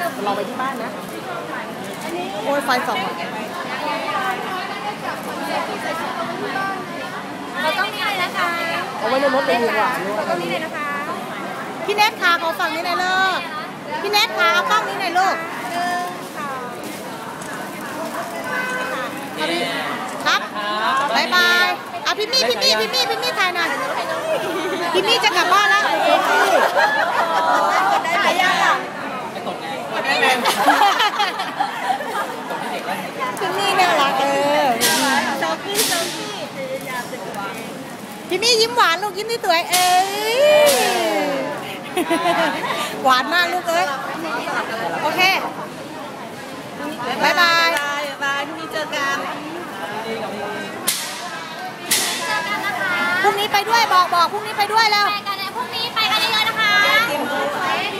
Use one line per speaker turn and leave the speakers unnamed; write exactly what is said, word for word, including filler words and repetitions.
ลองไปที่บ้านนะโอ้ยไฟส่อง
เราต้องนี่เลยนะคะ
เอาไว้ในรถเลยดีกว่า
เราต้องนี่เลยนะคะ
พี่เน็ตขาขอฝั่งนี้หน่อยลูกพี่เน็ตขาเอากล้องนี้หน่อยลูกครับบายบายเอาพี่มี่พี่มี่พี่มี่พี่มี่ถ่ายหน่อยพี่มี่จะกลับบ้านแล้วถ่ายยังอ่ะพี่มี่น่ารักเออจอกกี้จอกกี้พี่มี่ยิ้มหวานลูกยิ้มที่สวยเอ้ยหวานมากลูกเอ้ยโอเคบายบายบายพี่มี่เจอกันพรุ่งนี้ไปด้วยบอกบอกพรุ่งนี้ไปด้วยแล้ว
ไปกันเลยพรุ่งนี้ไปกันเยอะๆนะคะ